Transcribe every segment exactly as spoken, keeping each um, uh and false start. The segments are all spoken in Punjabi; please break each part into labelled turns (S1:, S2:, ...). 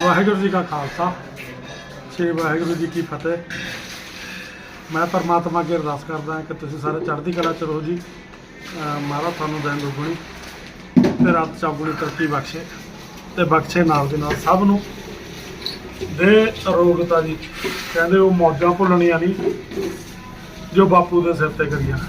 S1: ਵਾਹਿਗੁਰੂ ਜੀ ਕਾ ਖਾਲਸਾ ਸ੍ਰੀ ਵਾਹਿਗੁਰੂ ਜੀ ਕੀ ਫਤਿਹ। ਮੈਂ ਪਰਮਾਤਮਾ ਅੱਗੇ ਅਰਦਾਸ ਕਰਦਾ ਕਿ ਤੁਸੀਂ ਸਾਰੇ ਚੜ੍ਹਦੀ ਕਲਾ ਚ ਰਹੋ ਜੀ। ਮਹਾਰਾਜ ਤੁਹਾਨੂੰ ਦਿਨ ਦੁਗਣੀ ਤੇ ਰਾਤ ਚੌਗੁਣੀ ਤਰੱਕੀ ਬਖਸ਼ੇ ਤੇ ਬਖਸ਼ੇ ਨਾਲ ਦੇ ਨਾਲ ਸਭ ਨੂੰ ਦੇ ਅਰੋਗਤਾ ਜੀ। ਕਹਿੰਦੇ ਉਹ ਮੌਜਾਂ ਭੁੱਲਣੀਆਂ ਨਹੀਂ ਜੋ ਬਾਪੂ ਦੇ ਸਿਰ ਤੇ ਕਰੀਆਂ।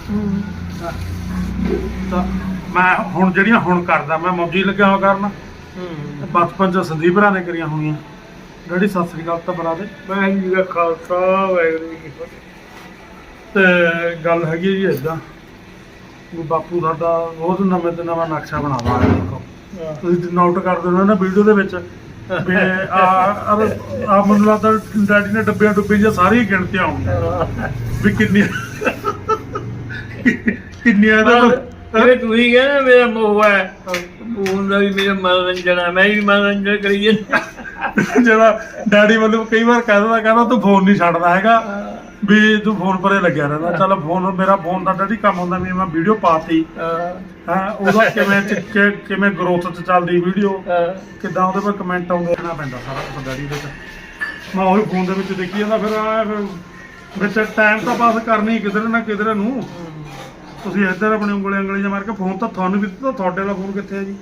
S1: ਤਾਂ ਮੈਂ ਹੁਣ ਜਿਹੜੀਆਂ ਹੁਣ ਕਰਦਾ ਮੈਂ ਮੌਜੀ ਲੱਗਿਆ ਹੋਇਆ ਕਰਨ ਬਚਪਨ ਚ ਸੰਦੀਪ ਭਰਾ ਨੇ ਕਰੀਆਂ ਹੋਣੀਆਂ। ਡੈਡੀ ਸਤਿ ਸ੍ਰੀ ਅਕਾਲ ਤਾਂ ਬੁਲਾ ਦੇ।
S2: ਵਾਹਿਗੁਰੂ ਜੀ ਕਾ ਖਾਲਸਾ ਵਾਹਿਗੁਰੂ ਜੀ ਕੀ ਫਤਿਹ।
S1: ਤੇ ਗੱਲ ਹੈਗੀ ਜੀ ਏਦਾਂ ਵੀ ਬਾਪੂ ਸਾਡਾ ਰੋਜ਼ ਨਵੇਂ ਤੋਂ ਨਵਾਂ ਨਕਸ਼ਾ ਬਣਾਵਾ। ਦੇਖੋ ਤੁਸੀਂ ਨੋਟ ਕਰਦੇ ਹੋ ਨਾ ਵੀਡੀਓ ਦੇ ਵਿੱਚ ਵੀ ਆ ਆ ਮੈਨੂੰ ਲੱਗਦਾ ਡੈਡੀ ਨੇ ਡੱਬਿਆਂ ਡੁੱਬੇ ਜਾਂ ਸਾਰੀ ਗਿਣਤੀਆਂ ਆਉਂਦੀਆਂ ਵੀ ਕਿੰਨੀਆਂ ਕਿੰਨੀਆਂ ਦਾ
S2: ਇਹ ਤੁਸੀਂ ਕਹਿੰਦੇ ਮੇਰਾ ਮੋਹ ਹੈ ਉਹ ਦਾ ਵੀ ਮੇਰਾ ਮਨੋਰੰਜਨ ਹੈ। ਮੈਂ ਵੀ ਮਨੋਰੰਜਨ ਕਰੀ ਜਾਂਦਾ।
S1: ਜਿਹੜਾ ਡੈਡੀ ਵੱਲੋਂ ਕਈ ਵਾਰ ਕਹਿ ਦਿੰਦਾ ਕਹਿੰਦਾ ਤੂੰ ਫੋਨ ਨਹੀਂ ਛੱਡਦਾ ਹੈਗਾ ਵੀ ਤੂੰ ਫੋਨ ਪਰੇ ਲੱਗਿਆ ਰਹਿੰਦਾ। ਚੱਲ ਫੋਨ ਮੇਰਾ ਫੋਨ ਦਾ ਡੈਡੀ ਕੰਮ ਹੁੰਦਾ ਵੀ ਮੈਂ ਵੀਡੀਓ ਪਾਤੀ ਹਾਂ ਉਹਦਾ ਕਿਵੇਂ ਚ ਕਿਵੇਂ ਗਰੋਥ ਚ ਚੱਲਦੀ ਵੀਡੀਓ ਕਿੱਦਾਂ ਉਹਦੇ ਪਰ ਕਮੈਂਟ ਆਉਂਦੇ ਰਹਿਣਾ ਪੈਂਦਾ ਸਾਰਾ ਕੁਛ ਡੈਡੀ ਦੇ ਵਿੱਚ। ਮੈਂ ਉਹੀ ਫੋਨ ਦੇ ਵਿੱਚ ਦੇਖੀ ਜਾਂਦਾ ਫਿਰ ਆ ਵਿੱਚ ਟਾਈਮ ਤਾਂ ਪਾਸ ਕਰਨੀ ਕਿਧਰ ਨਾ ਕਿਧਰ ਨੂੰ। ਤੁਸੀਂ ਇੱਧਰ ਆਪਣੀ ਉਂਗਲੀ ਉਂਗਲੀ ਜਿਹਾ ਮਾਰ ਕੇ ਫੋਨ ਤਾਂ ਤੁਹਾਨੂੰ ਵੀ ਦਿੱਤਾ। ਤੁਹਾਡੇ ਵਾਲਾ ਫੋਨ ਕਿੱਥੇ ਹੈ ਜੀ?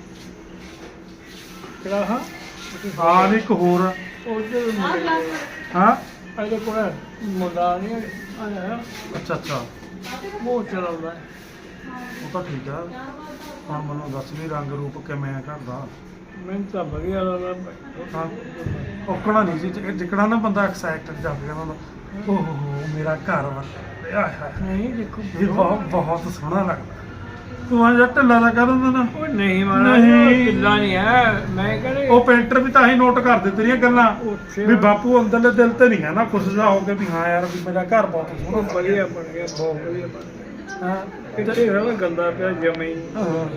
S2: ਕਿਹੜਾ ਹਾਂ
S1: ਹਾਂ ਇੱਕ ਹੋਰ
S2: ਉਧਰ
S1: ਹਾਂ
S2: ਇਹਦੇ ਕੋਲ ਮੁੰਡਾ ਨਹੀਂ ਆਇਆ
S1: ਅੱਛਾ ਅੱਛਾ
S2: ਉਹ ਚਲਾਉਂਦਾ
S1: ਉਹ ਤਾਂ ਠੀਕ ਆ। ਹੁਣ ਮੈਨੂੰ ਦੱਸ ਵੀ ਰੰਗ ਰੂਪ ਕਿਵੇਂ ਆ ਘਰ ਦਾ?
S2: ਮੈਨੂੰ ਤਾਂ ਵਧੀਆ ਲੱਗਦਾ।
S1: ਹਾਂ ਔਕਣਾ ਨਹੀਂ ਸੀ ਜਿਕਣਾ ਨਾ ਬੰਦਾ ਐਕਸਾਈਟਡ ਜਾ ਕੇ ਕਹਿੰਦਾ ਓਹ ਹੋ ਮੇਰਾ ਘਰ ਵਾ
S2: ਨਹੀਂ ਦੇਖੋ
S1: ਇਹ ਬਹੁਤ ਬਹੁਤ ਸੋਹਣਾ ਲੱਗਦਾ। ਤੂੰ ਆ ਜਾ ਢਿੱਲਾ ਦਾ ਕਹਿ ਦਿੰਦਾ ਨਾ।
S2: ਉਹ ਨਹੀਂ ਮਾਨਾ
S1: ਨਹੀਂ।
S2: ਢਿੱਲਾ ਨਹੀਂ ਹੈ। ਮੈਂ ਕਹਿੰਦਾ
S1: ਉਹ ਪੇਂਟਰ ਵੀ ਤਾਂ ਹੀ ਨੋਟ ਕਰਦੇ ਤੇਰੀਆਂ ਗੱਲਾਂ
S2: ਉੱਥੇ
S1: ਵੀ ਬਾਪੂ ਅੰਦਰਲੇ ਦਿਲ ਤੇ ਨਹੀਂ ਹੈ ਨਾ ਖੁਸ਼ ਜਾ ਹੋ ਕੇ ਵੀ ਹਾਂ ਯਾਰ ਵੀ ਮੇਰਾ ਘਰ ਬਹੁਤ
S2: ਉਹ
S1: ਸੋਹਣਾ
S2: ਵਧੀਆ ਬਣ ਗਿਆ ਬਹੁਤ ਵਧੀਆ ਬਣ ਗਿਆ।
S1: ਹਾਂ
S2: ਕਿਤੇ ਹੋਣਾ ਗੰਦਾ ਪਿਆ ਜਮੇ
S1: ਹਾਂ।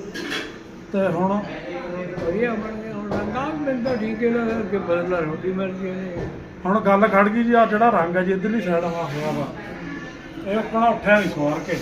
S1: ਤੇ ਹੁਣ
S2: ਵਧੀਆ ਬਣ ਗਿਆ। ਹੁਣ ਰੰਗਾ ਮੈਨੂੰ ਤਾਂ ਠੀਕ ਹੈ ਨਾ ਕਿ ਬਦਲਾ ਰੋਟੀ ਮਰਜੀ ਨੇ।
S1: ਹੁਣ ਗੱਲ ਖੜ ਗਈ ਜੀ ਆ ਜਿਹੜਾ ਰੰਗ ਹੈ ਜੀ ਇੱਧਰਲੀ ਸਾਈਡ ਆ ਹੋਇਆ ਵਾ ਇਹ ਆਪਣਾ ਉੱਠਿਆ ਨਹੀਂ ਸਵਾਰ ਕੇ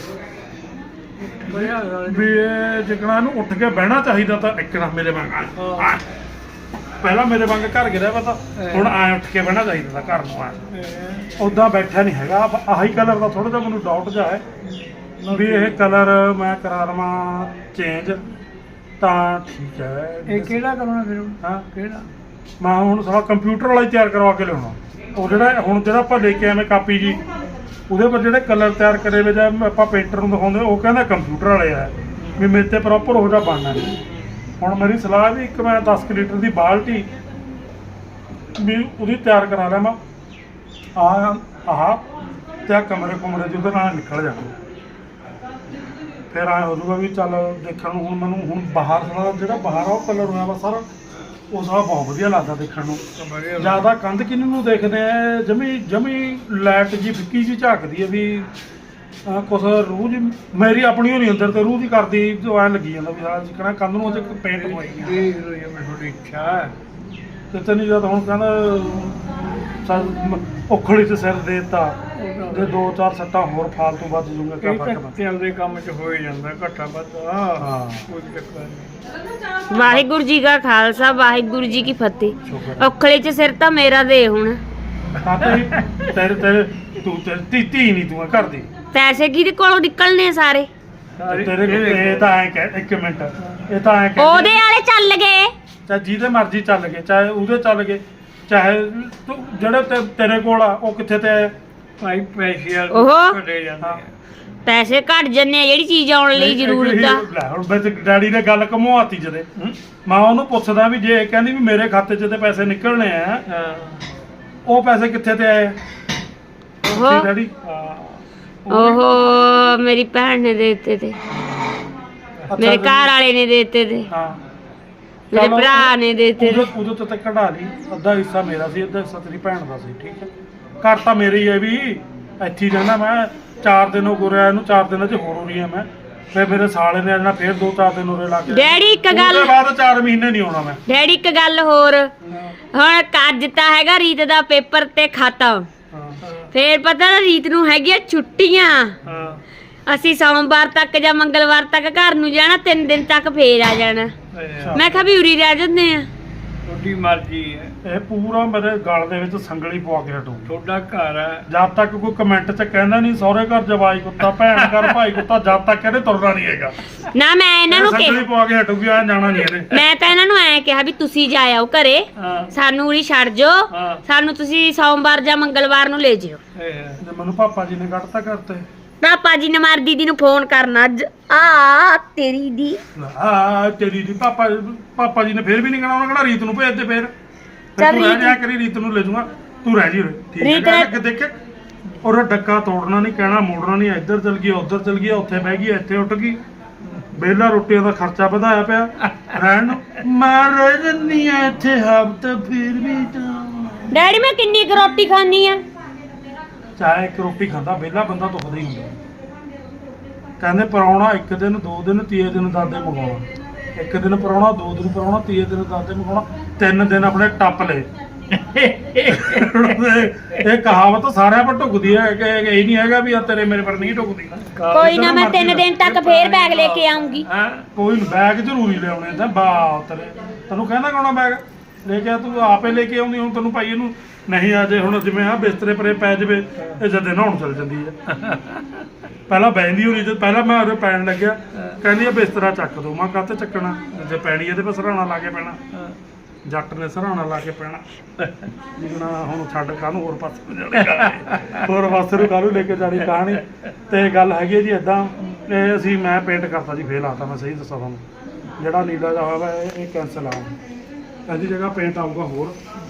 S2: ਵਧੀਆ
S1: ਵੀ ਇਹ ਜਿਕਣਾ ਨੂੰ ਉੱਠ ਕੇ ਬਹਿਣਾ ਚਾਹੀਦਾ ਤਾਂ ਇੱਕ ਨਾ ਮੇਰੇ ਵਾਂਗ
S2: ਹਾਂ।
S1: ਪਹਿਲਾਂ ਮੇਰੇ ਵਾਂਗ ਘਰ ਗਿਰਿਆ ਵਾ ਤਾਂ ਹੁਣ ਐ ਉੱਠ ਕੇ ਬਹਿਣਾ ਚਾਹੀਦਾ ਤਾਂ ਘਰ ਨੂੰ ਆ ਉਦਾਂ ਬੈਠਾ ਨਹੀਂ ਹੈਗਾ। ਆਹੀ ਕਲਰ ਦਾ ਥੋੜਾ ਜਿਹਾ ਮੈਨੂੰ ਡਾਊਟ ਜਿਹਾ ਹੈ ਵੀ ਇਹ ਕਲਰ ਮੈਂ ਕਰਾ ਲਵਾਂ ਚੇਂਜ ਤਾਂ ਠੀਕ ਹੈ।
S2: ਇਹ ਕਿਹੜਾ ਕਰਨਾ ਫਿਰ
S1: ਹਾਂ
S2: ਕਿਹੜਾ
S1: ਮੈਂ ਹੁਣ ਸਾਰਾ ਕੰਪਿਊਟਰ ਵਾਲਾ ਹੀ ਤਿਆਰ ਕਰਵਾ ਕੇ ਲਿਆਉਣਾ। ਉਹ ਜਿਹੜਾ ਹੁਣ ਜਿਹੜਾ ਆਪਾਂ ਲੈ ਕੇ ਆਵੇਂ ਕਾਪੀ ਜੀ ਉਹਦੇ ਪਰ ਜਿਹੜੇ ਕਲਰ ਤਿਆਰ ਕਰੇ ਵੇ ਜਾਂ ਆਪਾਂ ਪੇਂਟਰ ਨੂੰ ਦਿਖਾਉਂਦੇ ਉਹ ਕਹਿੰਦਾ ਕੰਪਿਊਟਰ ਵਾਲੇ ਆ ਵੀ ਮੇਰੇ ਤੇ ਪ੍ਰੋਪਰ ਉਹ ਜਿਹਾ ਬਣਨਾ ਨਹੀਂ। ਹੁਣ ਮੇਰੀ ਸਲਾਹ ਵੀ ਇੱਕ ਮੈਂ ਦਸ ਕੁ ਲੀਟਰ ਦੀ ਬਾਲਟੀ ਵੀ ਉਹਦੀ ਤਿਆਰ ਕਰਾ ਲਿਆ ਮੈਂ ਆ ਆਹ ਤੇ ਆਹ ਕਮਰੇ ਕੁਮਰੇ ਜਿਹਦੇ ਨਾਲ ਨਿਕਲ ਜਾਣਾ। ਫਿਰ ਆਏ ਹੋ ਜਾਊਗਾ ਵੀ ਚੱਲ ਦੇਖਣ ਨੂੰ ਹੁਣ ਮੈਨੂੰ ਹੁਣ ਬਾਹਰ ਦਾ ਜਿਹੜਾ ਬਾਹਰ ਆ ਉਹ ਕਲਰ ਹੋਇਆ ਵਾ ਸਾਰਾ ਉਹ ਸਾਰਾ ਬਹੁਤ ਵਧੀਆ ਲੱਗਦਾ ਦੇਖਣ ਨੂੰ। ਜ਼ਿਆਦਾ ਕੰਧ ਕਿੰਨੂ ਨੂੰ ਦੇਖਦੇ ਆ ਜਮੀ ਜਮੀ ਲਾਈਟ ਜੀ ਫਿੱਕੀ ਜੀ ਝਾਕਦੀ ਹੈ ਵੀ ਕੁਛ ਰੂਹ ਜੀ ਮੇਰੀ ਆਪਣੀ ਹੋਣੀ ਅੰਦਰ ਤੇ ਰੂਹ ਦੀ ਕਰਦੀ ਜੋ ਐਂ ਲੱਗੀ ਜਾਂਦਾ ਵੀ ਹਾਂ ਜਿਕਣਾ ਕੰਧ ਨੂੰ ਉਹ ਪੇਂਟ ਹੋਈ
S2: ਦੇਖ ਲਓ ਜੇ ਤੁਹਾਡੀ ਇੱਛਾ ਹੈ
S1: ਤੇ ਤੈਨੂੰ ਜਦ ਹੁਣ ਕਹਿੰਦਾ ਔਖੜੀ ਤੇ ਸਿਰ ਦੇਤਾ ਜੇ ਦੋ ਚਾਰ ਸੱਟਾਂ ਹੋਰ ਫਾਲਤੂ ਵੱਜ ਜੂਗਾ ਕਿਆ
S2: ਇਹ
S1: ਫਰਕ
S2: ਤਾਂ
S1: ਪੈਂਦਾ।
S2: ਚੱਲਦੇ ਕੰਮ 'ਚ ਹੋ ਹੀ ਜਾਂਦਾ ਘੱਟਾ ਵੱਧਾ
S1: ਹਾਂ
S2: ਕੋਈ ਚੱਕਰ ਨਹੀਂ।
S3: ਵਾਹਿਗੁਰੂ ਜੀ ਕਾ ਖਾਲਸਾ ਵਾਹਿਗੁਰੂ ਜੀ ਕੀ ਫਤਿਹ।
S1: ਸ਼ੁਕਰ
S3: ਔਖਲੇ ਚ ਸਿਰ ਤਾਂ ਮੇਰਾ ਦੇ ਹੁਣ
S1: ਤਾਂ ਤੇਰੀ ਤੇਰੇ ਤੇਰੇ ਤੂੰ ਤੇਰੀ ਧੀ ਧੀ ਨਹੀਂ ਤੂੰ ਘਰ ਦੀ
S3: ਪੈਸੇ ਕਿਹਦੇ ਕੋਲੋਂ ਨਿਕਲਨੇ ਸਾਰੇ?
S1: ਤੇਰੇ ਇਹ ਤਾਂ ਐਂ ਕਹਿ ਇੱਕ ਮਿੰਟ ਇਹ ਤਾਂ ਐਂ ਕਹਿ
S3: ਉਹਦੇ ਵਾਲੇ ਚੱਲ ਗਏ।
S1: ਚਾਹੇ ਜਿਹਦੇ ਮਰਜ਼ੀ ਚੱਲ ਗਏ ਚਾਹੇ ਉਹਦੇ ਚੱਲ ਗਏ ਚਾਹੇ ਤੂੰ ਜਿਹੜੇ ਤੇ- ਤੇਰੇ ਕੋਲ ਆ ਉਹ ਕਿੱਥੇ ਤੇ ਆਏ?
S2: ਭਾਈ ਪੈਸੇ
S3: ਓਹੋ।
S2: ਘਟੇ ਜਾਂਦੇ ਆ।
S3: ਪੈਸੇ ਘਟ ਜੰਨੇ ਆ ਜਿਹੜੀ ਚੀਜ਼ ਆਉਣ ਲਈ ਜ਼ਰੂਰਤ ਆ।
S1: ਲੈ ਹੁਣ ਵਿੱਚ ਡੈਡੀ ਨੇ ਗੱਲ ਘੁਮਾਤੀ ਜਦੇ ਮੈਂ ਉਹਨੂੰ ਪੁੱਛਦਾ ਵੀ ਜੇ ਇਹ ਕਹਿੰਦੀ ਵੀ ਮੇਰੇ ਖਾਤੇ 'ਚ ਤੇ ਪੈਸੇ ਨਿਕਲਣੇ ਆ
S2: ਹਾਂ
S1: ਉਹ ਪੈਸੇ ਕਿੱਥੇ ਤੇ ਆਏ?
S3: ਓਹੋ
S1: ਡੈਡੀ
S3: ਓਹੋ ਮੇਰੀ ਭੈਣ ਨੇ ਦੇ ਦਿੱਤੇ ਤੇ ਮੇਰੇ ਘਰ ਵਾਲੇ ਨੇ ਦੇ ਦਿੱਤੇ ਤੇ
S1: ਹਾਂ
S3: ਮੇਰੇ ਭਰਾ ਨੇ ਦੇ ਦਿੱਤੇ ਤੇ।
S1: ਉਦੋਂ ਤੋਂ ਤਾਂ ਕਢਾ ਲਈ ਅੱਧਾ ਹਿੱਸਾ ਮੇਰਾ ਸੀ ਅੱਧਾ ਹਿੱਸਾ ਤੇਰੀ ਭੈਣ ਦਾ ਸੀ। ਠੀਕ ਹੈ ਘਰ ਤਾਂ ਮੇਰੇ ਹੀ ਹੈ ਵੀ ਇੱਥੇ ਹੀ ਰਹਿਣਾ ਮੈਂ ਚਾਰ ਦਿਨ ਹੋ ਗਏ ਇਹਨੂੰ ਚਾਰ ਦਿਨਾਂ 'ਚ ਹੋਰ ਹੋ ਰਹੀ ਹੈ ਮੈਂ ਫਿਰ ਮੇਰੇ ਸਾਲੇ ਨੇ ਆਣਾ ਫਿਰ ਦੋ ਚਾਰ ਦਿਨ ਉਰੇ ਲਾ ਕੇ
S3: ਡੈਡੀ ਇੱਕ ਗੱਲ
S1: ਉਹਦੇ ਬਾਅਦ ਚਾਰ ਮਹੀਨੇ ਨਹੀਂ ਆਉਣਾ ਮੈਂ।
S3: ਡੈਡੀ ਇੱਕ ਗੱਲ ਹੋਰ ਹੁਣ ਅੱਜ ਤਾਂ ਹੈਗਾ ਰੀਤ ਦਾ ਪੇਪਰ ਤੇ ਖਤਮ
S1: ਹਾਂ
S3: ਫੇਰ ਪਤਾ ਨਾ ਰੀਤ ਨੂੰ ਹੈਗੀਆਂ ਛੁੱਟੀਆਂ।
S2: ਹਾਂ
S3: ਅਸੀਂ ਸੋਮਵਾਰ ਤੱਕ ਜਾਂ ਮੰਗਲਵਾਰ ਤੱਕ ਘਰ ਨੂੰ ਜਾਣਾ ਤਿੰਨ ਦਿਨ ਤੱਕ ਫੇਰ ਆ ਜਾਣਾ।
S2: ਅੱਛਾ।
S3: ਮੈਂ ਕਿਹਾ ਵੀ ਉਰੀ ਰਹਿ ਜਾਂਦੇ ਆ
S2: ਤੁਹਾਡੀ ਮਰਜ਼ੀ ਹੈ,
S1: ਇਹ ਪੂਰਾ ਮੇਰੇ ਗਲ ਦੇ ਵਿੱਚ ਸੰਗਲੀ ਪਵਾ ਕੇ ਹਟੂ।
S2: ਤੁਹਾਡਾ ਘਰ ਹੈ।
S1: ਜਦ ਤੱਕ ਕੋਈ ਕਮੈਂਟ 'ਚ ਕਹਿੰਦਾ ਨਹੀਂ ਸਹੁਰੇ ਘਰ ਜਵਾਈ ਕੁੱਤਾ, ਭੈਣ ਘਰ ਭਾਈ ਕੁੱਤਾ, ਜਦ ਤੱਕ ਇਹਨੇ ਤੁਰਨਾ ਨਹੀਂ ਹੈਗਾ।
S3: ਨਾ ਮੈਂ ਇਹਨਾਂ ਨੂੰ
S1: ਸੰਗਲੀ
S3: ਕਿਹਾ,
S1: ਪਵਾ ਕੇ ਹਟੂਗੀ, ਆ ਜਾਣਾ ਨਹੀਂ ਇਹਨੇ।
S3: ਮੈਂ ਤਾਂ ਇਹਨਾਂ ਨੂੰ ਐ ਕਿਹਾ ਵੀ ਤੁਸੀਂ ਜਾ ਆਓ ਘਰੇ,
S2: ਹਾਂ
S3: ਸਾਨੂੰ ਉਰੀ ਛੱਡ ਜਾਓ,
S2: ਹਾਂ
S3: ਸਾਨੂੰ ਤੁਸੀਂ ਸੋਮਵਾਰ ਜਾਂ ਮੰਗਲਵਾਰ ਨੂੰ ਲੈ ਜਿਓ।
S2: ਇਹ ਹੈ।
S1: ਤੇ ਮੈਨੂੰ ਪਾਪਾ ਜੀ ਨੇ ਕੱਢਤਾ ਕਰਤੇ।
S3: ਪਾਪਾ ਜੀ ਨੇ ਮਾਰ ਦੀਦੀ ਨੂੰ ਫੋਨ ਕਰਨਾ ਅੱਜ। ਆ ਤੇਰੀ ਦੀ
S1: ਆ ਤੇਰੀ ਦੀ ਪਾਪਾ ਪਾਪਾ ਜੀ ਨੇ ਫੇਰ ਵੀ ਨਹੀਂ ਕਹਿਣਾ, ਉਹਨਾਂ ਕਹਿਣਾ ਰੀਤ ਨੂੰ ਭੇਜ ਦੇ ਫੇਰ। ਫਿਰ
S3: ਚੱਲ
S1: ਤੂੰ ਰਹਿ
S3: ਰੀਤ-
S1: ਜਾ ਕਰੀ, ਰੀਤ ਨੂੰ ਲੈ ਜਾਊਗਾ, ਤੂੰ ਰਹਿ ਜੀ ਉਰੇ। ਠੀਕ ਹੈ
S3: ਰੀਤ-
S1: ਗੱਲ ਅੱਗੇ ਦੇਖੇ ਔਰ ਡੱਕਾ ਤੋੜਨਾ ਨਹੀਂ, ਕਹਿਣਾ ਮੋੜਨਾ ਨਹੀਂ, ਇੱਧਰ ਚਲ ਗਈ ਉੱਧਰ ਚਲ ਗਈ, ਉੱਥੇ ਬਹਿ ਗਈ ਇੱਥੇ ਉੱਠ ਗਈ। ਵਿਹਲਾ ਰੋਟੀਆਂ ਦਾ ਖਰਚਾ ਵਧਾਇਆ ਪਿਆ ਰਹਿਣ ਨੂੰ। ਮੈਂ ਰਹਿ ਜੰਨੀ ਆ ਇੱਥੇ ਹਫ਼ਤਾ ਫਿਰ ਵੀ ਤਾਂ।
S3: ਡੈਡੀ ਮੈਂ ਕਿੰਨੀ ਕੁ ਰੋਟੀ ਖਾਣੀ ਆ?
S1: ਚਾਹੇ ਇੱਕ ਰੋਟੀ ਖਾਂਦਾ ਵਿਹਲਾ ਬੰਦਾ ਦੁਖਦਾ ਹੀ ਹੁੰਦਾ। ਕਹਿੰਦੇ ਪਰਾਉਣਾ ਇੱਕ ਦਿਨ ਦੋ ਦਿਨ ਤੀਏ ਦਿਨ ਦਾਦੇ ਮੰਗਾਉਣਾ, ਇੱਕ ਦਿਨ ਪਰਾਉਣਾ ਦੋ ਦਿਨ ਪਰਾਉਣਾ ਤੀਏ ਦਿਨ ਦਾਦੇ ਮੰਗਾਉਣਾ, ਤਿੰਨ ਦਿਨ ਆਪਣੇ ਟੱਪ ਲਏ। ਇਹ ਕਹਾਵਤ ਸਾਰਿਆਂ ਪਰ ਢੁਕਦੀ ਹੈ ਕਿ ਇਹ ਨਹੀਂ ਹੈਗਾ ਵੀ ਆ ਤੇਰੇ ਮੇਰੇ ਪਰ ਨਹੀਂ ਢੁਕਦੀ।
S3: ਕੋਈ ਨਾ, ਮੈਂ ਤਿੰਨ ਦਿਨ ਤੱਕ ਫੇਰ ਬੈਗ ਲੈ ਕੇ ਆਉਂਗੀ।
S1: ਹੈਂ? ਕੋਈ ਬੈਗ ਜ਼ਰੂਰੀ ਲਿਆਉਣੇ ਤਾਂ ਬਾ ਤੇਰੇ ਤੈਨੂੰ ਕਹਿੰਦਾ ਕੌਣਾ ਬੈਗ ਲੈ ਕੇ ਆ, ਤੂੰ ਆਪੇ ਲੈ ਕੇ ਆਉਂਦੀ। ਹੁਣ ਤੈਨੂੰ ਭਾਈ ਇਹਨੂੰ ਨਹੀਂ ਆ ਜੇ ਹੁਣ ਜਿਵੇਂ ਆ ਬਿਸਤਰੇ ਪਰੇ ਪੈ ਜਾਵੇ, ਇਹ ਜਦੇ ਨਹਾਉਣ ਚਲ ਜਾਂਦੀ ਹੈ। ਪਹਿਲਾਂ ਬੈਂਦੀ ਹੋਣੀ, ਤੇ ਪਹਿਲਾਂ ਮੈਂ ਉਹਦੇ ਪੈਣ ਲੱਗਿਆ, ਕਹਿੰਦੀ ਆ ਬਿਸਤਰਾ ਚੱਕ ਦੋ। ਮੈਂ ਕਾਹਤੇ ਚੱਕਣਾ, ਜੇ ਪੈਣੀ ਇਹਦੇ ਪਰ ਸਰਾਣਾ ਲਾ ਕੇ ਪੈਣਾ। ਜੱਟ ਨੇ ਸਰਾਣਾ ਲਾ ਕੇ ਪੈਣਾ। ਜਿਗਣਾ ਹੁਣ ਛੱਡ ਕਾਹਨੂੰ ਹੋਰ ਪਾਸੇ ਨੂੰ ਜਾਣੀ, ਹੋਰ ਪਾਸੇ ਨੂੰ ਕਾਹਨੂੰ ਲੈ ਕੇ ਜਾਣੀ ਕਹਾਣੀ। ਤੇ ਗੱਲ ਹੈਗੀ ਹੈ ਜੀ ਇਦਾਂ, ਇਹ ਅਸੀਂ ਮੈਂ ਪੇਂਟ ਕਰਤਾ ਜੀ, ਫੇਲ ਆਤਾ। ਮੈਂ ਸਹੀ ਦੱਸਾਂ ਤੁਹਾਨੂੰ, ਜਿਹੜਾ ਨੀਲਾ ਜਿਹਾ ਹੋਇਆ ਵਾ ਇਹ ਇਹ ਕੈਂਸਲ ਆ, ਇਹਦੀ ਜਗ੍ਹਾ ਪੇਂਟ ਆਊਗਾ ਹੋਰ।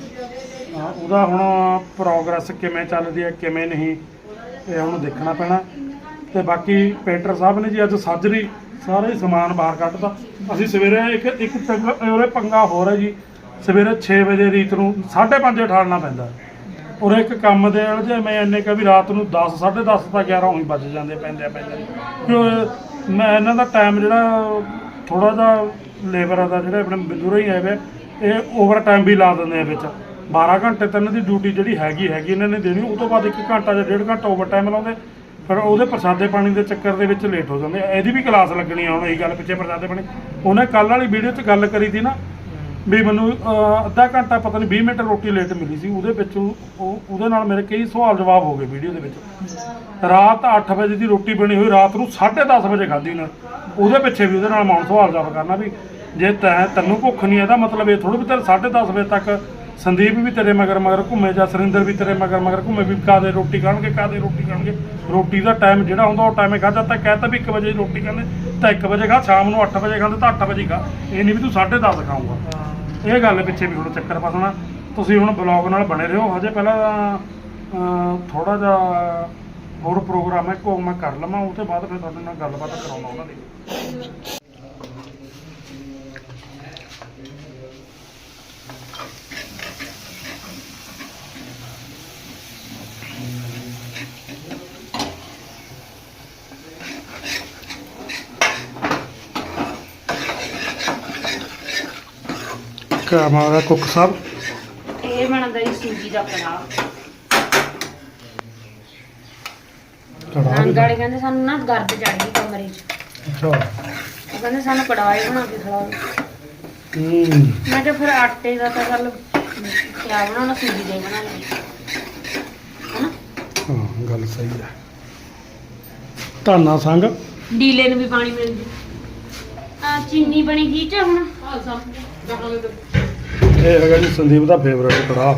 S1: ਹਾਂ, ਉਹਦਾ ਹੁਣ ਪ੍ਰੋਗਰੈਸ ਕਿਵੇਂ ਚੱਲਦੀ ਹੈ ਕਿਵੇਂ ਨਹੀਂ, ਇਹ ਹੁਣ ਦੇਖਣਾ ਪੈਣਾ। ਤੇ ਬਾਕੀ ਪੇਂਟਰ ਸਾਹਿਬ ਨੇ ਜੀ ਅੱਜ ਸਾਜਰੀ ਸਾਰਾ ਹੀ ਸਮਾਨ ਬਾਹਰ ਕੱਢਤਾ। ਅਸੀਂ ਸਵੇਰੇ ਇੱਕ ਇੱਕ ਪੰਗਾ- ਉਹਦੇ ਪੰਗਾ ਹੋਰ ਹੈ ਜੀ, ਸਵੇਰੇ ਛੇ ਵਜੇ ਰੀਤ ਨੂੰ ਸਾਢੇ ਪੰਜ ਉਠਾਲਣਾ ਪੈਂਦਾ। ਔਰ ਇੱਕ ਕੰਮ ਦੇ ਨਾਲ ਜੇ ਮੈਂ ਇੰਨੇ ਕਾ ਵੀ ਰਾਤ ਨੂੰ ਦਸ ਸਾਢੇ ਦਸ ਤਾਂ ਗਿਆਰਾਂ ਉਹੀ ਵੱਜ ਜਾਂਦੇ ਪੈਂਦੇ ਪੈਂਦੇ। ਕਿਉਂ ਮੈਂ ਇਹਨਾਂ ਦਾ ਟਾਈਮ ਜਿਹੜਾ ਥੋੜ੍ਹਾ ਜਿਹਾ ਲੇਬਰਾਂ ਦਾ ਜਿਹੜਾ ਆਪਣੇ ਮਜ਼ਦੂਰ ਹੀ ਆਏ, ਇਹ ਓਵਰ ਟਾਈਮ ਵੀ ਲਾ ਦਿੰਦੇ ਆ ਵਿੱਚ। ਬਾਰਾਂ ਘੰਟੇ ਤਾਂ ਇਹਨਾਂ ਦੀ ਡਿਊਟੀ ਜਿਹੜੀ ਹੈਗੀ ਹੈਗੀ ਇਹਨਾਂ ਨੇ ਦੇਣੀ, ਉਹ ਤੋਂ ਬਾਅਦ ਇੱਕ ਘੰਟਾ ਜਾਂ ਡੇਢ ਘੰਟਾ ਓਵਰ ਟਾਈਮ ਲਾਉਂਦੇ, ਫਿਰ ਉਹਦੇ ਪ੍ਰਸਾਦੇ ਪਾਣੀ ਦੇ ਚੱਕਰ ਦੇ ਵਿੱਚ ਲੇਟ ਹੋ ਜਾਂਦੇ। ਇਹਦੀ ਵੀ ਕਲਾਸ ਲੱਗਣੀ ਆ ਹੁਣ, ਇਹੀ ਗੱਲ ਪਿੱਛੇ ਪ੍ਰਸਾਦੇ ਪਾਣੀ। ਉਹਨੇ ਕੱਲ੍ਹ ਵਾਲੀ ਵੀਡੀਓ 'ਚ ਗੱਲ ਕਰੀ ਸੀ ਨਾ ਵੀ ਮੈਨੂੰ ਅਹ, ਅੱਧਾ ਘੰਟਾ ਪਤਾ ਨਹੀਂ ਵੀਹ ਮਿੰਟ ਰੋਟੀ ਲੇਟ ਮਿਲੀ ਸੀ। ਉਹਦੇ ਵਿੱਚ ਉਹ ਉਹਦੇ ਨਾਲ ਮੇਰੇ ਕਈ ਸਵਾਲ ਜਵਾਬ ਹੋ ਗਏ ਵੀਡੀਓ ਦੇ ਵਿੱਚ। ਰਾਤ ਅੱਠ ਵਜੇ ਦੀ ਰੋਟੀ ਬਣੀ ਹੋਈ, ਰਾਤ ਨੂੰ ਸਾਢੇ ਦਸ ਵਜੇ ਖਾਧੀ ਉਹਨਾਂ। ਉਹਦੇ ਪਿੱਛੇ ਵੀ ਉਹਦੇ ਨਾਲ ਮੌਨ ਸਵਾਲ ਜਵਾਬ ਕਰਨਾ ਵੀ ਜੇ ਤੈਂ ਤੈਨੂੰ ਭੁੱਖ ਨਹੀਂ, ਇਹਦਾ ਮਤਲਬ ਇਹ ਥੋੜ੍ਹਾ ਵੀ ਤੇਰੇ ਸਾਢੇ ਦਸ ਵਜੇ ਤੱਕ ਸੰਦੀਪ ਵੀ ਤੇਰੇ ਮਗਰ ਮਗਰ ਘੁੰਮੇ ਜਾਂ ਸੁਰਿੰਦਰ ਵੀ ਤੇਰੇ ਮਗਰ ਮਗਰ ਘੁੰਮੇ ਵੀ ਕਾਦੇ ਰੋਟੀ ਖਾਣਗੇ ਕਾਦੇ ਰੋਟੀ ਖਾਣਗੇ। ਰੋਟੀ ਦਾ ਟਾਈਮ ਜਿਹੜਾ ਹੁੰਦਾ ਉਹ ਟਾਈਮੇ ਖਾਧਾ ਤਾਂ ਕਹਿਤਾ ਵੀ ਇੱਕ ਵਜੇ ਰੋਟੀ ਖਾਂਦੇ ਤਾਂ ਇੱਕ ਵਜੇ ਖਾ, ਸ਼ਾਮ ਨੂੰ ਅੱਠ ਵਜੇ ਖਾਂਦੇ ਤਾਂ ਅੱਠ ਵਜੇ ਖਾ। ਇਹ ਨਹੀਂ ਵੀ ਤੂੰ ਸਾਢੇ ਦਸ ਖਾਊਂਗਾ। ਇਹ ਗੱਲ ਪਿੱਛੇ ਵੀ ਹੁਣ ਚੱਕਰ ਫਸਣਾ। ਤੁਸੀਂ ਹੁਣ ਬਲੌਗ ਨਾਲ ਬਣੇ ਰਹੋ। ਹਜੇ ਪਹਿਲਾਂ ਥੋੜਾ ਜਿਹਾ ਹੋਰ ਪ੍ਰੋਗਰਾਮ ਹੈ, ਕੋ ਮੈਂ ਕਰ ਲਵਾਂ, ਉਹ ਤੋਂ ਬਾਅਦ ਫਿਰ ਤੁਹਾਡੇ ਨਾਲ ਗੱਲਬਾਤ ਕਰਾਉਣਾ ਉਹਨਾਂ ਦੀ। ਕਿਆ ਮਾਰਾ ਕੁੱਕ ਸਾਹਿਬ?
S3: ਇਹ ਬਣਦਾ ਜੀ ਸੂਜੀ ਦਾ ਕੜਾਹ। ਨੰਦ ਵਾਲੇ ਕਹਿੰਦੇ ਸਾਨੂੰ ਨਾ ਗਰਦ ਚੜ ਗਈ ਕਮਰੇ 'ਚ।
S1: ਅੱਛਾ।
S3: ਉਹ ਕਹਿੰਦੇ ਸਾਨੂੰ ਕੜਾਹ ਹੀ ਬਣਾ ਕੇ ਖਿਲਾਓ।
S1: ਹੂੰ।
S3: ਮੈਂ ਕਿਹਾ ਫਿਰ ਆਟੇ ਦਾ ਤਾਂ ਚੱਲ ਕਿਆ ਬਣਾਉਣਾ, ਸੂਜੀ ਦਾ ਹੀ ਬਣਾ ਲਈ ਹਨਾ।
S1: ਹਾਂ ਗੱਲ ਸਹੀ ਹੈ। ਧਾਨਾ ਸੰਗ
S3: ਡੀਲੇ ਨੂੰ ਵੀ ਪਾਣੀ ਮਿਲ ਜੂ। ਆ ਚੀਨੀ ਬਣੀ ਗਈ ਚ ਹੁਣ।
S1: ਇਹ ਹੈਗਾ ਜੀ ਸੰਦੀਪ ਦਾ ਫੇਵਰੇਟ ਕੜਾਹ।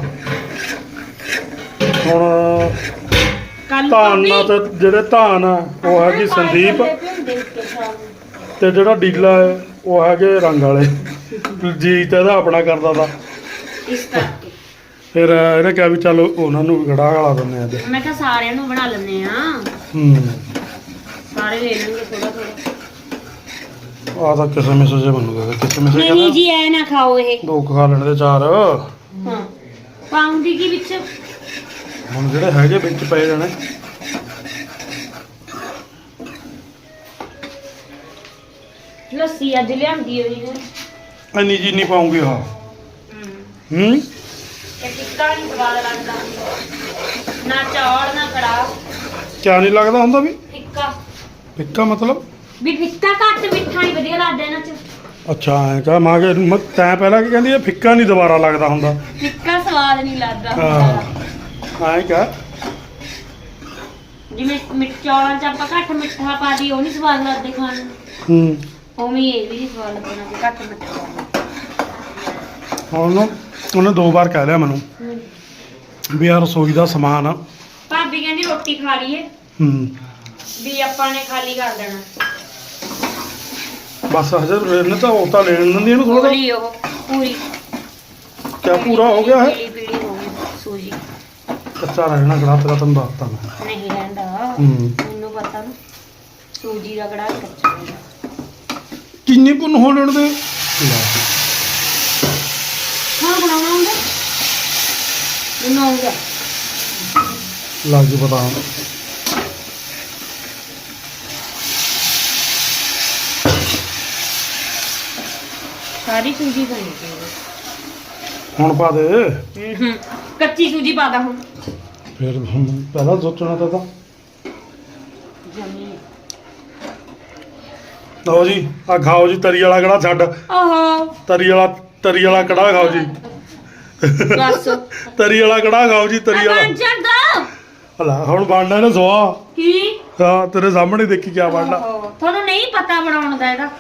S1: ਹੁਣ
S3: ਕੱਲ
S1: ਧਾਨ ਨਾਲ ਤੇ ਜਿਹੜੇ ਧਾਨ ਆ ਉਹ ਹੈਗੀ ਸੰਦੀਪ, ਤੇ ਜਿਹੜਾ ਡੀਲਾ ਹੈ ਉਹ ਹੈਗੇ ਰੰਗ ਵਾਲੇ। ਜੀ ਤੇ ਇਹਦਾ ਆਪਣਾ ਕਰਦਾ ਤਾ,
S3: ਇਸ ਕਰਕੇ
S1: ਫਿਰ ਇਹਨੇ ਕਿਹਾ ਵੀ ਚੱਲ ਉਹਨਾਂ ਨੂੰ ਵੀ ਕੜਾਹ ਵਾਲਾ ਦਿੰਦੇ ਅੱਜ।
S3: ਮੈਂ ਕਿਹਾ ਸਾਰਿਆਂ ਨੂੰ ਬਣਾ ਲੈਂਦੇ ਆ,
S1: ਹੂੰ।
S3: ਸਾਰੇ ਲੈ ਲੈਣਗੇ ਥੋੜਾ ਥੋੜਾ।
S1: ਆ ਤਾਂ ਕਿਸੇ ਮਿਸੇ ਜੇ ਬਣੂਗਾ, ਕਿਸੇ ਮਿਸੇ
S3: ਨਹੀਂ
S1: ਕਹਿੰਦਾ
S3: ਜੀ ਐ ਨਾ ਖਾਓ ਇਹ।
S1: ਦੋ ਕੁ ਖਾ ਲੈਣ ਦੇ ਚਾਰ।
S3: ਹਾਂ ਪਾਉਂਦੀ ਕੀ ਵਿੱਚ
S1: ਹੁਣ ਜਿਹੜੇ ਹੈਗੇ ਵਿੱਚ ਪਏ ਜਾਣੇ।
S3: ਲੱਸੀ ਅੱਜ ਲਿਆਂਦੀ ਹੋਈ ਨੇ।
S1: ਇੰਨੀ ਚੀਨੀ ਪਾਉਂਗੀ। ਹਾਂ। ਹੂੰ।
S3: ਇਹ ਟਿੱਕਾ ਨਹੀਂ ਸਵਾਦ ਲੱਗਦਾ, ਨਾ ਚੌਲ ਨਾ ਕੜਾਹ।
S1: ਕਿਆ ਨਹੀਂ ਲੱਗਦਾ ਹੁੰਦਾ ਵੀ
S3: ਫਿੱਕਾ
S1: ਫਿੱਕਾ, ਮਤਲਬ
S3: ਵੀ ਫਿੱਕਾ ਘੱਟ ਮਿੱਠਾ ਹੀ ਵਧੀਆ ਲੱਗਦਾ ਇਹਨਾਂ ਚ।
S1: ਅੱਛਾ ਐਂ ਕਹ ਮਾਂ ਕਿ ਮ- ਤੈਂ ਪਹਿਲਾਂ ਕੀ ਕਹਿੰਦੀ ਇਹ ਫਿੱਕਾ ਨਹੀਂ ਦੁਬਾਰਾ ਲੱਗਦਾ ਹੁੰਦਾ
S3: ਫਿੱਕਾ ਸਵਾਦ ਨਹੀਂ ਲੱਗਦਾ
S1: ਹਾਂ
S3: ਹੁੰਦਾ।
S1: ਐਂ ਕਹ
S3: ਜਿਵੇਂ ਮਿੱਠ ਚੌਲਾਂ ਚ ਆਪਾਂ ਘੱਟ ਮਿੱਠਾ ਪਾ ਦੀ ਉਹ ਨਹੀਂ ਸਵਾਦ ਲੱਗਦੇ ਖਾਣ ਨੂੰ,
S1: ਹੂੰ
S3: ਉਵੇਂ ਹੀ ਇਹ ਵੀ ਨਹੀਂ ਸਵਾਦ ਲੱਗਣਾ ਜੇ ਘੱਟ ਮਿੱਠਾ ਪਾਉਂਦੇ।
S1: ਹੁਣ ਨਾ ਉਹਨੇ ਦੋ ਵਾਰ ਕਹਿ ਲਿਆ ਮੈਨੂੰ ਵੀ ਆ ਰਸੋਈ ਦਾ ਸਮਾਨ ਆ
S3: ਭਾਬੀ ਕਹਿੰਦੀ ਰੋਟੀ ਖਾ ਲਈਏ
S1: ਹੂੰ
S3: ਵੀ ਆਪਾਂ ਨੇ ਖਾਲੀ ਕਰ ਦੇਣਾ।
S1: ਬਸ ਹਜੇ ਇਹਨੇ ਤਾਂ ਉਹ ਤਾਂ ਲੈਣ ਦਿੰਦੀ ਇਹਨੂੰ ਥੋੜਾ
S3: ਪੂਰੀ ਉਹ ਪੂਰੀ
S1: ਕਿਆ ਪੂਰਾ ਹੋ ਗਿਆ ਹੈ
S3: ਪੀਲੀ ਪੀਲੀ ਹੋ ਗਈ ਸੂਜੀ,
S1: ਕੱਚਾ ਰਹਿਣਾ ਕੜਾ ਤੇਰਾ ਤੈਨੂੰ ਦੱਸਤਾ ਮੈਂ
S3: ਨਹੀਂ ਰਹਿੰਦਾ
S1: ਹੂੰ
S3: ਮੈਨੂੰ ਪਤਾ ਨਾ ਸੂਜੀ ਦਾ ਕੜਾ ਕੱਚਾ ਹੁੰਦਾ।
S1: ਕਿੰਨੀ ਪੁੰਨ ਹੋ ਲੈਣ ਦੇ ਲੈ
S3: ਹਾਂ ਬਣਾਉਣਾ ਹੁੰਦਾ ਮੈਨੂੰ ਆਉਂਦਾ।
S1: ਲੱਗ ਜੂ ਪਤਾ ਹੁਣ
S3: ਸਾਰੀ ਸੂਜੀ ਬਣੀ ਚਾਹੀਦੀ।
S1: ਹੁਣ ਪਾ ਦੇ
S3: ਹੂੰ ਕੱਚੀ ਸੂਜੀ ਪਾ ਦਾ ਹੁਣ
S1: ਫਿਰ ਹੁਣ ਪਹਿਲਾਂ ਸੋਚਣਾ ਤਾਂ ਤਾਂ
S3: ਜਮੀ।
S1: ਲਓ ਜੀ ਆ ਖਾਓ ਜੀ ਤਰੀ ਵਾਲਾ ਕੜਾ ਛੱਡ
S3: ਆਹੋ
S1: ਤਰੀ ਵਾਲਾ ਤਰੀ ਵਾਲਾ ਕੜਾ ਖਾਓ ਜੀ
S3: ਬਸ
S1: ਤਰੀ ਵਾਲਾ ਕੜਾ ਖਾਓ ਜੀ ਤਰੀ ਵਾਲਾ
S3: ਬਣ ਜਾਂਦਾ
S1: ਹਲਾ ਹੁਣ ਬਣਨਾ ਨੇ ਸਵਾ
S3: ਕੀ
S1: ਹਾਂ ਤੇਰੇ ਸਾਹਮਣੇ ਦੇਖੀ ਕਿਆ ਬਣਨਾ
S3: ਆਹੋ, ਤੁਹਾਨੂੰ ਨਹੀਂ ਪਤਾ ਬਣਾਉਣ ਦਾ ਇਹਦਾ।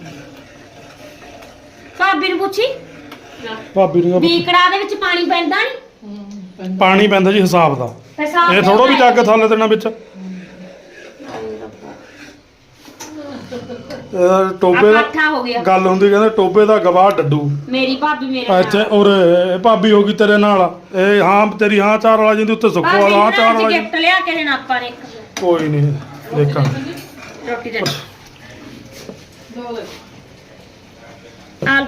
S3: ਭਾਬੀ ਨੂੰ ਪੁੱਛੀ
S1: ਭਾਬੀ ਨੂੰ
S3: ਵੀ
S1: ਕਿਹਾ
S3: ਕੜਾਹ ਦੇ ਵਿੱਚ ਪਾਣੀ ਪੈਂਦਾ ਨਹੀਂ
S1: ਪਾਣੀ ਪੈਂਦਾ ਜੀ ਹਿਸਾਬ ਦਾ
S3: ਹਿਸਾਬ
S1: ਇਹ ਥੋੜਾ ਵੀ ਚੱਕ ਥੱਲੇ ਦੇਣਾ ਵਿੱਚ ਇਹ ਟੋਬੇ ਦਾ
S3: ਇਕੱਠਾ ਹੋ ਗਿਆ।
S1: ਗੱਲ ਹੁੰਦੀ ਕਹਿੰਦੇ ਟੋਬੇ ਦਾ ਗਵਾਹ ਡੱਡੂ
S3: ਮੇਰੀ ਭਾਬੀ ਮੇਰੇ
S1: ਇੱਥੇ ਔਰ ਇਹ ਭਾਬੀ ਹੋ ਗਈ ਤੇਰੇ ਨਾਲ ਇਹ ਹਾਂ ਤੇਰੀ ਹਾਂ ਚਾਰ ਵਾਲਾ ਜਿੰਦੀ ਉੱਤੇ ਸੁੱਖੋ ਵਾਲਾ ਹਾਂ ਚਾਰ ਵਾਲਾ ਜੀ।
S3: ਗਿਫਟ ਲਿਆ ਕੇ ਦੇਣਾ ਆਪਾਂ ਨੇ ਇੱਕ
S1: ਕੋਈ ਨਹੀਂ ਦੇਖਾਂਗੇ
S3: ਰੋਟੀ ਦੇ ਆਲ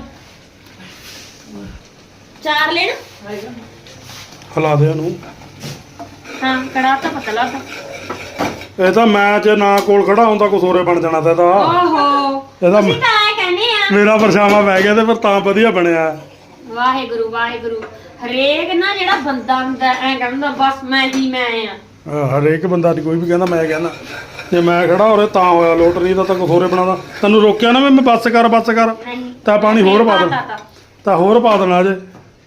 S3: ਚਾਰ ਲੈਣ
S1: ਹਿਲਾ ਦੇ ਇਹਨੂੰ
S3: ਹਾਂ ਕੜਾਹ ਤਾਂ ਪਤਲਾ ਤਾਂ
S1: ਇਹ ਤਾਂ ਮੈਂ ਜੇ ਨਾ ਕੋਲ ਖੜਾ ਹੁੰਦਾ ਕੁਛ ਹੋਰੇ ਬਣ ਜਾਣਾ ਤਾਂ ਇਹਦਾ
S3: ਓਹੋ
S1: ਇਹਦਾ
S3: ਅਸੀਂ ਤਾਂ ਐ ਕਹਿੰਦੇ ਆ
S1: ਮੇਰਾ ਪਰਛਾਵਾਂ ਪੈ ਗਿਆ ਤੇ ਫਿਰ ਤਾਂ ਵਧੀਆ ਬਣਿਆ
S3: ਵਾਹਿਗੁਰੂ ਵਾਹਿਗੁਰੂ ਹਰੇਕ ਨਾ ਜਿਹੜਾ ਬੰਦਾ ਹੁੰਦਾ ਐ ਕਹਿੰਦਾ ਬਸ ਮੈਂ ਹੀ ਮੈਂ ਆ
S1: ਅਹ ਹਰੇਕ ਬੰਦਾ ਨਹੀਂ ਕੋਈ ਵੀ ਕਹਿੰਦਾ ਮੈਂ ਕਹਿੰਦਾ ਜੇ ਮੈਂ ਖੜਾ ਹੋਰੇ ਤਾਂ ਹੋਇਆ ਲੋਟਰੀ ਦਾ ਤਾਂ ਕੁਛ ਹੋਰੇ ਬਣਾਦਾ ਤੈਨੂੰ ਰੋਕਿਆ ਨਾ ਮੈਂ ਮੈਂ ਬੱਸ ਕਰ ਬੱਸ ਕਰ
S3: ਨਹੀਂ
S1: ਤਾਂ ਪਾਣੀ ਹੋਰ ਪਾ ਦੇ ਤਾਂ ਹੋਰ ਪਾ ਦੇਣਾ ਜੇ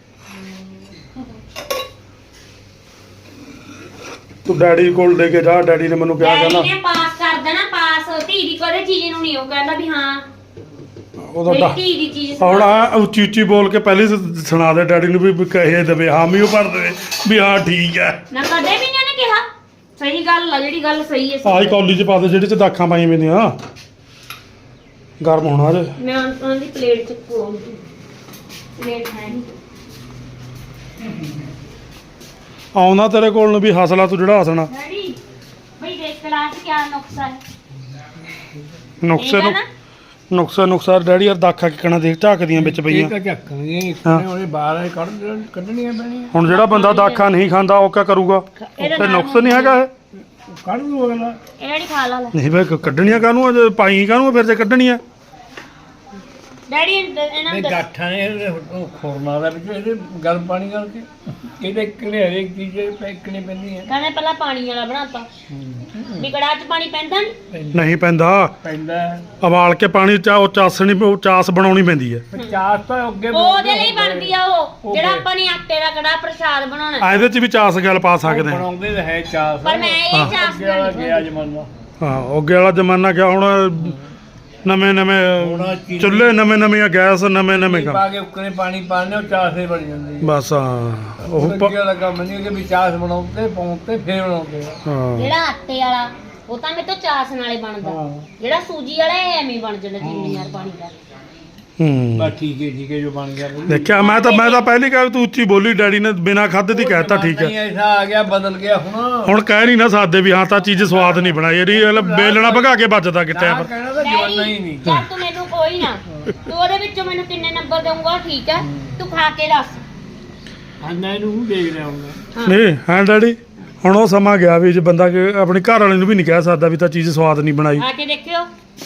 S1: ਤੂੰ ਡੈਡੀ ਕੋਲ ਲੈ ਕੇ ਜਾ ਡੈਡੀ ਨੇ ਮੈਨੂੰ ਕਿਹਾ
S3: ਡੈਡੀ
S1: ਕਹਿੰਦਾ
S3: ਨੇ ਪਾਸ ਕਰ ਦੇਣਾ ਪਾਸ ਧੀ ਦੀ ਕਦੇ ਚੀਜ਼ ਨੂੰ ਨਹੀਂ ਉਹ ਕਹਿੰਦਾ ਵੀ ਹਾਂ
S1: ਉਹਦਾ
S3: ਮੇਰੀ
S1: ਡਾ-
S3: ਧੀ ਦੀ ਚੀਜ਼
S1: ਹੁਣ ਆ ਉੱਚੀ ਉੱਚੀ ਬੋਲ ਕੇ ਪਹਿਲੇ ਸ- ਸੁਣਾ ਦੇ ਡੈਡੀ ਨੂੰ ਵੀ ਵੀ ਕਹੇ ਦੇਵੇ ਹਾਮੀ ਉਹ ਭਰ ਦੇਵੇ ਵੀ ਹਾਂ ਠੀਕ ਹੈ
S3: ਨਾ ਕਦੇ ਵੀ ਨਹੀਂ ਉਹਨੇ ਕਿਹਾ ਸਹੀ ਗੱਲ ਆ ਜਿਹੜੀ ਗੱਲ ਸਹੀ ਹੈ
S1: ਆਹੀ ਕੌਲੀ ਚ ਪਾ ਦੇ ਜਿਹੜੇ ਚ ਦਾਖਾਂ ਪਾਈਆਂ ਮੈਂਦੀਆਂ ਗਰਮ ਹੋਣਾ ਜੇ
S3: ਮੈਂ ਉਹਨਾਂ ਉਹਨਾਂ ਦੀ ਪਲੇਟ ਚ ਕੋਲ ਪਲੇਟ ਹੈ ਨਹੀਂ
S1: ਆਉਂਦਾ ਤੇਰੇ ਕੋਲ ਨੂੰ ਵੀ ਹਸਲਾ ਤੂੰ ਜਿਹੜਾ ਹਸਣਾ
S3: ਡੈਡੀ ਬਈ ਦੇਖ ਕਲਾਸ ਕਿਆ ਨੁਕਸਾ ਹੈ
S1: ਨੁਕਸੇ
S3: ਠੀਕ ਹੈ
S1: ਨੂੰ
S3: ਨਾ?
S1: ਨੁਕਸਾ ਨੁਕਸਾ ਡੈਡੀ ਯਾਰ ਦਾਖਾਂ ਕਿਕਣਾ ਦੇਖ ਝਾਕਦੀਆਂ ਵਿੱਚ
S2: ਇਹ
S1: ਪਈਆਂ
S2: ਤਾਂ ਝੱਕਣਗੇ
S1: ਹਾਂ।
S2: ਉਹਦੇ ਬਾਹਰ ਕੱਢ ਕੱਢਣੀਆਂ ਪੈਣੀਆਂ
S1: ਹੁਣ ਜਿਹੜਾ ਬੰਦਾ ਦਾਖਾਂ ਨਹੀਂ ਖਾਂਦਾ ਉਹ ਕਿਆ ਕਰੂਗਾ
S3: ਇਹਦਾ
S1: ਤੇ
S3: ਨਾਮ
S1: ਨੁਕਸ ਨਹੀਂ ਹੈਗਾ ਇਹ
S2: ਕੱਢ ਦੂ ਅਗਲਾ
S3: ਇਹ ਡੈਡੀ ਖਾ ਲਾ ਲੈ
S1: ਨਹੀਂ ਬਈ ਕੱਢਣੀਆਂ ਕਾਹਨੂੰ ਆ ਜੇ ਪਾਈ ਕਾਹਨੂੰ ਆ ਫਿਰ ਜੇ ਕੱਢਣੀਆਂ
S3: ਡੈਡੀ ਇਹਨਾਂ
S2: ਨਹੀਂ
S3: ਨੂੰ
S2: ਗਾਠਾਂ ਨੇ ਇਹਦੇ ਉਹ ਖੋਰਨਾ ਦਾ ਵਿੱਚ ਇਹਦੇ ਗਰਮ ਪਾਣੀ ਕਰਕੇ ਇਹਦੇ ਕਿਹੜੇ ਹਰੇਕ ਚੀਜ਼ ਪੈਕਣੀ ਪੈਂਦੀ ਹੈ
S3: ਕਹਿੰਦੇ ਪਹਿਲਾਂ ਪਾਣੀ ਵਾਲਾ ਬਣਾਤਾ ਵੀ ਕੜਾਹ ਚ ਪਾਣੀ ਪੈਂਦਾ ਨਹੀਂ
S1: ਨਹੀਂ ਪੈਂਦਾ
S2: ਪੈਂਦਾ
S1: ਉਬਾਲ ਕੇ ਪਾਣੀ ਚਾ ਉਹ ਚਾਸਣੀ ਉਹ ਚਾਸ ਬਣਾਉਣੀ ਪੈਂਦੀ ਹੈ
S2: ਚਾਸ ਤਾਂ ਅੱਗੇ
S3: ਉਹਦੇ ਲਈ ਬਣਦੀ ਆ ਉਹ
S2: ਉਹ
S3: ਜਿਹੜਾ
S2: ਬੇ-
S3: ਆਪਾਂ ਨੇ ਆਟੇ ਦਾ ਕੜਾਹ ਪ੍ਰਸ਼ਾਦ ਬਣਾਉਣਾ
S1: ਆ ਇਹਦੇ ਚ ਵੀ ਚਾਸ ਗੱਲ ਪਾ ਸਕਦੇ ਆ
S2: ਬਣਾਉਂਦੇ ਤਾਂ ਹੈ ਚਾਸ
S3: ਪਰ ਮੈਂ ਇਹ ਚਾਸ
S2: ਅੱਗੇ ਵਾਲਾ
S3: ਬਣਾਉਣੀ
S2: ਗਿਆ ਜਮਾਨਾ
S1: ਹਾਂ ਅੱਗੇ ਵਾਲਾ ਜ਼ਮਾਨਾ ਕਿਆ ਹੁਣ ਨਵੇਂ
S2: ਹੁਣ
S1: ਨਵੇਂ
S2: ਚੀਨੀ-
S1: ਚੁੱਲ੍ਹੇ ਨਵੇਂ ਨਵੇਂ ਗੈਸ ਨਵੇਂ ਨਵੇਂ
S2: ਪਾ
S1: ਕੰਮ
S2: ਕੇ ਉੱਕਰੇ ਪਾਣੀ ਪਾਣੇ ਉਹ ਚਾਸ ਹੀ ਬਣ ਜਾਂਦੀ ਹੈ
S1: ਬਸ ਹਾਂ ਉਹ ਪ-
S2: ਅੱਗੇ ਵਾਲਾ ਕੰਮ ਨਹੀਂ ਕਿ ਵੀ ਚਾਸ ਬਣਾਉਂਦੇ ਪਾਉਂਦੇ ਫੇਰ ਬਣਾਉਂਦੇ ਆ।
S1: ਹਾਂ
S3: ਜਿਹੜਾ ਆਟੇ ਵਾਲਾ ਉਹ ਤਾਂ ਮੇਰੇ ਤੋਂ ਚਾਸ ਨਾਲੇ ਬਣਦਾ
S2: ਹਾਂ।
S3: ਜਿਹੜਾ ਸੂਜੀ ਵਾਲਾ ਇਹ ਐਵੇਂ ਹੀ ਬਣ ਜਾਂਦਾ ਜਿੰਨੀ ਯਾਰ ਪਾਣੀ ਦਾ
S1: ਹੂੰ
S2: ਬਸ ਠੀਕ ਹੈ ਠੀਕ ਹੈ ਜੋ ਬਣ ਗਿਆ ਵਧੀਆ।
S1: ਦੇਖਿਆ ਮੈਂ ਤਾਂ ਮੈਂ ਤਾਂ ਪਹਿਲੀ ਕਹਿ ਤੂੰ ਉੱਚੀ ਬੋਲੀ ਡੈਡੀ ਨੇ ਬਿਨਾ ਖਾਦੇ ਦੀ ਕਹਿਤਾ ਠੀਕ
S2: ਨਹੀਂ
S1: ਹੈ
S2: ਐਸਾ ਆ ਗਿਆ ਬਦਲ ਗਿਆ ਹੁਣ
S1: ਹੁਣ ਕਹਿ ਨਹੀਂ ਨਾ ਸਕਦੇ ਵੀ ਹਾਂ ਤਾਂ ਚੀਜ਼ ਸਵਾਦ ਨਹੀਂ ਬਣਾਈ ਇਹਦੀ ਇਹ ਬੇਲਣਾ ਭਗਾ ਕੇ ਵੱਜਦਾ ਕਿਤੇ
S2: ਨਾ
S1: ਪਰ
S2: ਕਹਿਣਾ ਤਾਂ ਜਵਾਨਾ ਹੀ ਨਹੀਂ
S3: ਚੱਲ ਤੂੰ ਮੈਨੂੰ ਕੋਈ ਨਾ ਤੂੰ ਉਹਦੇ ਵਿੱਚੋਂ ਮੈਨੂੰ ਕਿੰਨੇ ਨੰਬਰ ਦੇਊਂਗਾ ਠੀਕ ਹੈ ਤੂੰ ਖਾ ਕੇ ਦੱਸ
S2: ਹਾਂ ਮੈਂ ਇਹਨੂੰ ਦੇਖ ਰਿਹਾ ਹੁਣ
S3: ਹਾਂ।
S1: ਨਹੀਂ ਹਾਂ ਡੈਡੀ ਹੁਣ ਉਹ ਸਮਾਂ ਗਿਆ ਵੀ ਜੇ ਬੰਦਾ ਕਿ ਆਪਣੀ ਘਰ ਵਾਲੇ ਨੂੰ ਵੀ ਨਹੀਂ ਕਹਿ ਸਕਦਾ ਵੀ ਤਾਂ ਚੀਜ਼ ਸਵਾਦ ਨਹੀਂ ਬਣਾਈ
S3: ਖਾ ਕੇ ਦੇਖਿਓ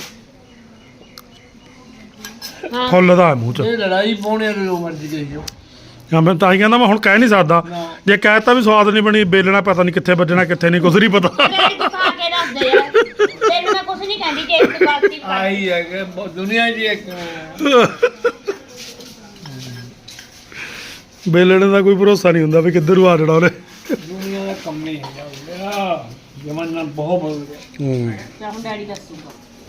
S3: ਹਾਂ
S1: ਫੁੱਲਦਾ ਹੈ ਮੂੰਹ 'ਚ
S2: ਇਹ ਲੜਾਈ ਪਾਉਣੇ ਜੋ ਮਰਜ਼ੀ ਕਰੀ ਜਾਓ
S1: ਹਾਂ ਮੈਂ ਤਾਂ ਹੀ ਕਹਿੰਦਾ ਮੈਂ ਹੁਣ ਕਹਿ ਨਹੀਂ ਸਕਦਾ
S2: ਨਾ।
S1: ਜੇ ਕਹਿਤਾ ਵੀ ਸਵਾਦ ਨਹੀਂ ਬਣੀ ਬੇਲਣਾ ਪਤਾ ਨਹੀਂ ਕਿੱਥੇ ਵੱਜਣਾ ਕਿੱਥੇ ਨਹੀਂ ਕੁਝ ਨਹੀਂ ਪਤਾ
S3: ਡੈਡੀ ਤੂੰ ਖਾ ਕੇ ਦੱਸ ਦੇ ਯਾਰ ਤੈਨੂੰ ਮੈਂ ਕੁਝ ਨਹੀਂ ਕਹਿੰਦੀ ਜੇ ਇੱਕ ਗਲਤੀ ਕਰ
S2: ਆਈ ਹੈ ਕਿ ਬ- ਦੁਨੀਆ 'ਚ ਇੱਕ
S1: ਬੇਲਣੇ ਦਾ ਕੋਈ ਭਰੋਸਾ ਨਹੀਂ ਹੁੰਦਾ ਵੀ ਕਿੱਧਰ ਨੂੰ ਆ ਜਾਣਾ ਉਹਨੇ।
S2: ਦੁਨੀਆ ਦਾ ਕੰਮ ਨਹੀਂ ਹੈਗਾ ਜ਼ਮਾਨਾ ਬਹੁਤ ਬਦਲ ਗਿਆ।
S1: ਹੂੰ
S3: ਜਾਂ ਹੁਣ ਡੈਡੀ ਦੱਸੂਗਾ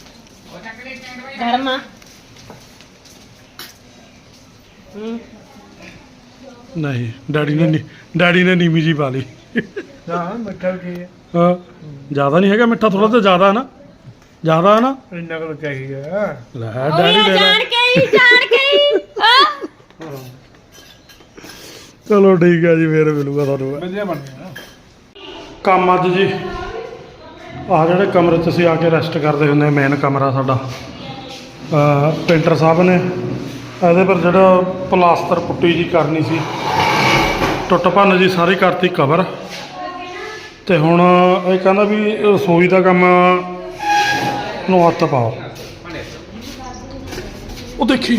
S3: ਧਰਮਾ ਹੂੰ
S1: ਨਹੀਂ ਡੈਡੀ ਨੇ ਨੀ- ਡੈਡੀ ਨੇ ਨੀਵੀਂ ਜੀ ਪਾ ਲਈ।
S2: ਹਾਂ ਮਿੱਠਾ ਕੀ ਹੈ
S1: ਹਾਂ ਜ਼ਿਆਦਾ ਨਹੀਂ ਹੈਗਾ ਮਿੱਠਾ, ਥੋੜਾ ਜਿਹਾ ਜ਼ਿਆਦਾ ਹੈ ਨਾ, ਜ਼ਿਆਦਾ ਹੈ ਨਾ।
S2: ਇੰਨਾ ਕੁ ਚਾਹੀਦਾ
S1: ਲੈ
S3: ਉਹ
S1: ਡੈਡੀ
S3: ਇਹ
S1: ਦੇ
S3: ਜਾਣ ਕੇ ਹੀ ਜਾਣ ਕੇ ਹੀ ਹਾਂ
S1: ਚਲੋ ਠੀਕ ਹੈ ਜੀ, ਫੇਰ ਮਿਲੂਗਾ ਤੁਹਾਨੂੰ
S2: ਵਧੀਆ ਬਣ ਗਿਆ।
S1: ਕੰਮ ਅੱਜ ਜੀ ਆਹ ਜਿਹੜੇ ਕਮਰੇ 'ਚ ਅਸੀਂ ਆ ਕੇ ਰੈਸਟ ਕਰਦੇ ਹੁੰਦੇ, ਮੇਨ ਕਮਰਾ ਸਾਡਾ ਅਹ ਪੇਂਟਰ ਸਾਹਿਬ ਨੇ ਇਹਦੇ ਪਰ ਜਿਹੜਾ ਪਲਾਸਟਰ ਪੁੱਟੀ ਜੀ ਕਰਨੀ ਸੀ, ਟੁੱਟ ਭੰਨ ਜੀ ਸਾਰੀ ਕਰਤੀ ਕਵਰ। ਤੇ ਹੁਣ ਇਹ ਕਹਿੰਦਾ ਵੀ ਰਸੋਈ ਦਾ ਕੰਮ ਨੂੰ ਹੱਥ ਪਾਓ। ਉਹ ਦੇਖੀ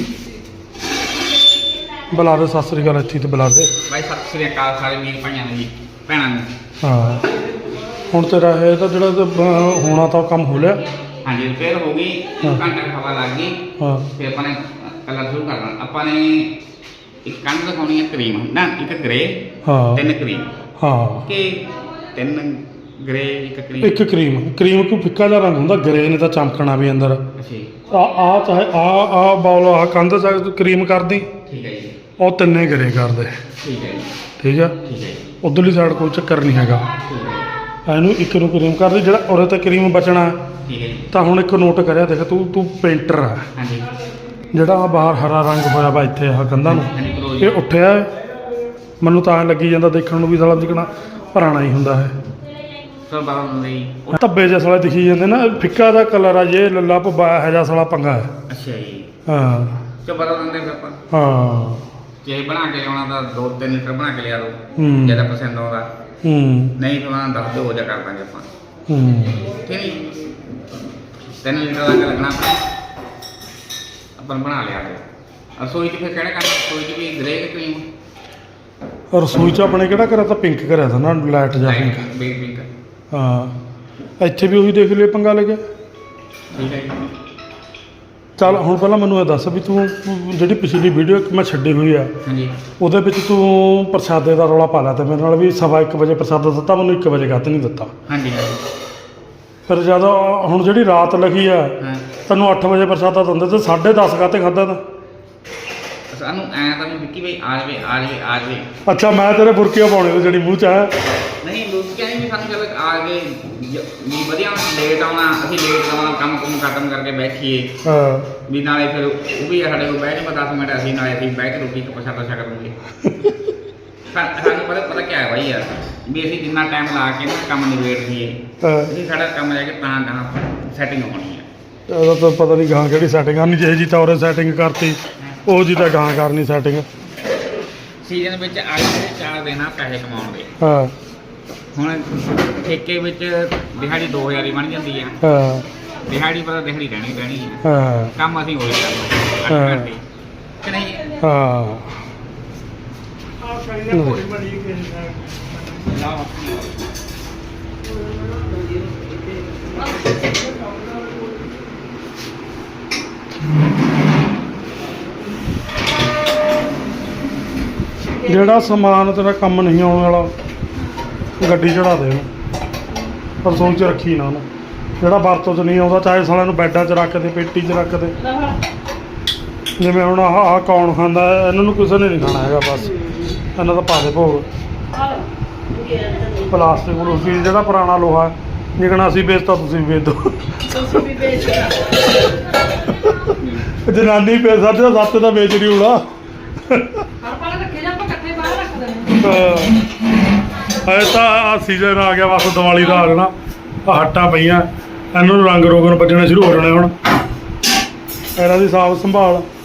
S1: ਬੁਲਾ ਦੇ, ਸਤਿ ਸ੍ਰੀ ਅਕਾਲ ਇੱਥੇ ਤੇ ਬੁਲਾ ਦੇ।
S4: ਭਾਈ ਸਤਿ ਸ੍ਰੀ ਅਕਾਲ ਸਾਰੇ ਵੀਰ ਭਾਈਆਂ ਨੂੰ ਜੀ, ਭੈਣਾਂ ਨੂੰ।
S1: ਹਾਂ ਹੁਣ ਤੇਰਾ ਇਹ ਤਾਂ ਜਿਹੜਾ ਤੇ, ਅਹ, ਹੋਣਾ ਤਾਂ ਕੰਮ ਹੋ ਲਿਆ।
S4: ਹਾਂਜੀ ਰਿਪੇਅਰ ਹੋ ਗਈ,
S1: ਹਾਂ।
S4: ਘੰਟਾ ਕੁ ਹਵਾ ਲੱਗ ਗਈ।
S1: ਹਾਂ
S4: ਫਿਰ ਆਪਾਂ ਨੇ ਕਲਰ ਸ਼ੁਰੂ ਕਰਨਾ। ਆਪਾਂ ਨੇ ਇੱਕ ਕੰਧ ਦਿਖਾਉਣੀ ਹੈ ਕਰੀਮ, ਨਾ ਇੱਕ ਗ੍ਰੇ,
S1: ਹਾਂ
S4: ਤਿੰਨ ਕਰੀਮ
S1: ਹਾਂ
S4: ਕਿ ਤਿੰਨ ਗ੍ਰੇ ਇੱਕ ਕਰੀਮ।
S1: ਇੱਕ ਕਰੀਮ ਕਰੀਮ ਕੋਈ ਫਿੱਕਾ ਜਿਹਾ ਰੰਗ ਹੁੰਦਾ, ਗਰੇ ਨੇ ਤਾਂ ਚਮਕਣਾ ਵੀ ਅੰਦਰ।
S4: ਅੱਛਾ ਜੀ,
S1: ਆ ਆ ਚਾਹੇ ਆ ਆ ਬੌਲ ਆ ਕੰਧ ਚ ਕਰੀਮ ਕਰਦੀ,
S4: ਠੀਕ ਹੈ ਜੀ,
S1: ਉਹ ਤਿੰਨੇ ਗਰੇ ਕਰਦੇ।
S4: ਠੀਕ ਹੈ ਜੀ,
S1: ਠੀਕ ਆ,
S4: ਠੀਕ ਹੈ ਜੀ,
S1: ਉਧਰਲੀ ਸਾਈਡ ਕੋਈ ਚੱਕਰ ਨਹੀਂ ਹੈਗਾ।
S4: ਠੀਕ ਹੈ ਜੀ,
S1: ਇਹਨੂੰ ਇੱਕ ਨੂੰ ਕਰੀਮ ਕਰਦੀ, ਜਿਹੜਾ ਉਰੇ ਤੇ ਕਰੀਮ ਬਚਣਾ।
S4: ਠੀਕ ਹੈ ਜੀ,
S1: ਤਾਂ ਹੁਣ ਇੱਕ ਨੋਟ ਕਰਿਆ, ਦੇਖ ਤੂੰ ਤੂੰ ਪੇਂਟਰ ਆ,
S4: ਹਾਂਜੀ
S1: ਜਿਹੜਾ ਆ ਬਾਹਰ ਹਰਾ ਰੰਗ ਹੋਇਆ ਵਾ ਇੱਥੇ ਆਹ ਕੰਧਾਂ ਨੂੰ,
S4: ਹਾਂਜੀ ਕਰੋ
S1: ਇਹ
S4: ਜੀ।
S1: ਉੱਠਿਆ ਹੈ। ਮੈਨੂੰ ਤਾਂ ਐਂ ਲੱਗੀ ਜਾਂਦਾ ਦੇਖਣ ਨੂੰ ਵੀ ਸਾਲਾ ਜਿਕਣਾ ਪੁਰਾਣਾ ਹੀ ਹੁੰਦਾ ਹੈ।
S4: ਸਰ ਬਾਰਾਂ ਹੁੰਦੇ ਜੀ।
S1: ਉਹ ਧੱਬੇ ਜਿਹੇ ਸਾਲੇ ਦਿਖੀ ਜਾਂਦੇ ਨਾ, ਫਿੱਕਾ ਜਿਹਾ ਕਲਰ ਆ ਜੇ ਲੱਲਾ ਭੱਬਾ ਇਹੋ ਜਿਹਾ ਸਾਲਾ ਪੰਗਾ ਹੈ।
S4: ਅੱਛਾ ਜੀ,
S1: ਹਾਂ
S4: ਚੋ ਬਾਰਾਂ ਦਿੰਦੇ ਫਿਰ ਆਪਾਂ
S1: ਹਾਂ
S4: ਜੇ ਬਣਾ ਕੇ ਲਿਆਉਣਾ ਤਾਂ ਦੋ ਤਿੰਨ ਲੀਟਰ ਬਣਾ ਕੇ ਲਿਆ ਦੋ,
S1: ਹੂੰ।
S4: ਜਿਆਦਾ ਪਸੰਦ ਆਉਂਦਾ।
S1: ਹੂੰ
S4: ਨਹੀਂ ਤਾਂ ਉਹਨਾਂ ਦੱਸ ਦਿਓ, ਹੋ ਜਾ ਕਰ ਦਾਂਗੇ ਆਪਾਂ।
S1: ਹੂੰ
S4: ਠੀਕ ਹੈ ਜੀ, ਤਿੰਨ ਲੀਟਰ ਦਾ ਲੱਗਣਾ ਆਪਾਂ ਆਪਾਂ ਬਣਾ ਲਿਆ ਫਿਰ। ਰਸੋਈ 'ਚ ਫਿਰ ਕਿਹੜਾ ਕਰਨਾ? ਰਸੋਈ 'ਚ ਵੀ ਗ੍ਰੇ ਕਿ ਕਰੀਮ?
S1: ਰਸੋਈ ਚ ਆਪਣੇ ਕਿਹੜਾ ਕਰਿਆ ਤਾਂ ਪਿੰਕ ਕਰਿਆ ਤਾਂ ਨਾ, ਲਾਈਟ ਜਾਂ ਪਿੰਕ।
S4: Bake pink.
S1: ਹਾਂ ਇੱਥੇ ਵੀ ਉਹੀ ਦੇਖ ਲਿਆ ਪੰਗਾ ਲੱਗਿਆ।
S4: ਠੀਕ ਹੈ ਜੀ,
S1: ਚੱਲ ਹੁਣ ਪਹਿਲਾਂ ਮੈਨੂੰ ਇਹ ਦੱਸ ਵੀ ਤੂੰ ਜਿਹੜੀ ਪਿਛਲੀ ਵੀਡੀਓ ਮੈਂ ਛੱਡੀ ਹੋਈ ਆ,
S4: ਹਾਂਜੀ
S1: ਉਹਦੇ ਵਿੱਚ ਤੂੰ ਪ੍ਰਸ਼ਾਦੇ ਦਾ ਰੌਲਾ ਪਾ ਲਿਆ ਤੇ ਮੇਰੇ ਨਾਲ ਵੀ ਸਵਾ ਇੱਕ ਵਜੇ ਪ੍ਰਸ਼ਾਦਾ ਦਿੱਤਾ, ਮੈਨੂੰ ਇੱਕ ਵਜੇ ਗੱਤ ਨਹੀਂ ਦਿੱਤਾ।
S4: ਹਾਂਜੀ ਹਾਂਜੀ
S1: ਫਿਰ ਜਦ ਹੁਣ ਜਿਹੜੀ ਰਾਤ ਲੱਗੀ ਆ,
S4: ਹਾਂ।
S1: ਤੈਨੂੰ ਅੱਠ ਵਜੇ ਪ੍ਰਸ਼ਾਦਾ ਦਿੰਦੇ ਤੇ ਸਾਢੇ ਦਸ ਕਾਤੇ ਖਾਧਾ ਤਾਂ।
S4: ਸਾਨੂੰ ਐਂ ਤਾਂ ਵੀ ਵਿੱਕੀ ਭਾਈ ਆ ਜਾਵੇ ਆ ਜਾਵੇ ਆ ਜਾਵੇ।
S1: ਅੱਛਾ ਮੈਂ ਤੇਰੇ ਬੁਰਕੀਆਂ ਪਾਉਣੇ ਤੇ ਜਿਹੜੀ ਮੂੰਹ ਚ ਆ।
S4: ਨਹੀਂ ਲੋਕ ਕਹਿੰਦੇ ਵੀ ਸਾਨੂੰ ਚੱਲ ਆ ਗਏ ਜ- ਵੀ ਵਧੀਆ ਲੇਟ ਆਉਣਾ, ਅਸੀਂ ਲੇਟ ਆਉਣਾ, ਕੰਮ ਕੁਮ ਖਤਮ ਕਰਕੇ ਬੈਠੀਏ
S1: ਹਾਂ
S4: ਵੀ ਨਾਲੇ ਫਿਰ ਉਹ ਵੀ ਸਾਡੇ ਕੋਲ ਬਹਿ ਜਾਵੇ ਦਸ ਮਿੰਟ, ਅਸੀਂ ਨਾਲੇ ਅਸੀਂ ਬਹਿ ਕੇ ਰੋਟੀ ਪ੍ਰਸ਼ਾਦਾ ਛਕ ਲੂਗੇ। ਸਾ- ਸਾਨੂੰ ਪਤਾ ਪਤਾ ਕਿਆ ਹੈ ਬਾਈ ਯਾਰ, ਵੀ ਅਸੀਂ ਜਿੰਨਾ ਟਾਈਮ ਲਾ ਕੇ ਨਾ ਕੰਮ ਨਿਬੇੜ ਦਈਏ,
S1: ਹਾਂ।
S4: ਅਸੀਂ ਸਾਡਾ ਕੰਮ ਜਾ ਕੇ ਤਾਂ ਤਾਂ ਸੈਟਿੰਗ ਹੋਣੀ ਹੈ।
S1: ਇਹਦਾ ਤਾਂ ਪਤਾ ਨਹੀਂ ਗਾਂ ਕਿਹੜੀ ਸੈਟਿੰਗ ਕਰਨੀ, ਜਿਹੇ ਜੀ ਤਾਂ ਉਹਨੇ ਸੈਟਿੰਗ ਕਰਤੀ ਉਹ ਜੀ ਤਾਂ ਗਾਂ ਕਰਨੀ ਸੈਟਿੰਗ।
S4: ਸੀਜ਼ਨ ਵਿੱਚ ਅੱਜ ਦੇ ਚਾਰ ਦਿਨ ਆ ਪੈਸੇ ਕਮਾਉਣ ਦੇ।
S1: ਹਾਂ
S4: ਹੁਣ ਠੇਕੇ ਵਿੱਚ ਦਿਹਾੜੀ ਦੋ ਹਜ਼ਾਰ ਹੀ ਬਣ ਜਾਂਦੀ ਆ।
S1: ਹਾਂ
S4: ਦਿਹਾੜੀ ਪਰ ਦਿਹਾੜੀ ਰਹਿਣੀ ਰਹਿਣੀ ਹੈ।
S1: ਹਾਂ
S4: ਕੰਮ ਅਸੀਂ ਉਹੀ ਕਰਨਾ
S1: ਹਾਂ।
S4: ਅੱਠ ਘੰਟੇ ਕਿ ਨਹੀਂ?
S1: ਹਾਂ
S4: ਲਾਓ।
S1: ਜਿਹੜਾ ਸਮਾਨ ਤੇਰਾ ਕੰਮ ਨਹੀਂ ਆਉਣ ਵਾਲਾ ਗੱਡੀ ਚੜਾ ਦੇ ਉਹਨੂੰ, ਰਸੋਈ 'ਚ ਰੱਖੀ ਨਾ ਉਹਨੂੰ। ਜਿਹੜਾ ਵਰਤੋਂ 'ਚ ਨਹੀਂ ਆਉਂਦਾ ਚਾਹੇ ਸਾਲਿਆਂ ਨੂੰ ਬੈੱਡਾਂ 'ਚ ਰੱਖ ਦੇ, ਪੇਟੀ 'ਚ ਰੱਖ ਦੇ। ਜਿਵੇਂ ਹੁਣ ਆਹ ਆਹ ਕੌਣ ਖਾਂਦਾ ਹੈ, ਇਹਨਾਂ ਨੂੰ ਕਿਸੇ ਨੇ ਨਹੀਂ ਖਾਣਾ ਹੈਗਾ, ਬਸ ਇਹਨਾਂ ਦਾ ਪਾ ਦੇ ਭੋਗ। ਪਲਾਸਟਿਕ ਪਲੂਸਟਿਕ ਜਿਹੜਾ ਪੁਰਾਣਾ ਲੋਹਾ ਜਿਕਣਾ ਅਸੀਂ ਵੇਚਤਾ ਤੁਸੀਂ ਵੀ ਵੇਚ ਦਿਓ।
S3: ਤੁਸੀਂ ਵੀ ਵੇਚ
S1: ਜਨਾਨੀ ਪੇ ਸਾਡੇ ਸੱਤ ਦਾ ਵੇਚ ਨਹੀਂ ਹੋਣਾ।
S3: ਆਪਾਂ ਰੱਖੇ ਜਾਂ ਆਪਾਂ ਇਕੱਠੇ ਬਾਹਰ ਰੱਖ ਦੇਣੇ।
S1: ਐ ਤਾਂ ਆ ਸੀਜ਼ਨ ਆ ਗਿਆ, ਬਸ ਦੀਵਾਲੀ ਦਾ ਆ ਜਾਣਾ। ਆ ਹੱਟਾਂ ਪਈਆਂ, ਇਹਨਾਂ ਨੂੰ ਰੰਗ ਰੋਗਨ ਵੱਜਣੇ ਸ਼ੁਰੂ ਹੋ ਜਾਣੇ ਹੁਣ। ਇਹਨਾਂ ਦੀ ਸਾਫ ਸੰਭਾਲ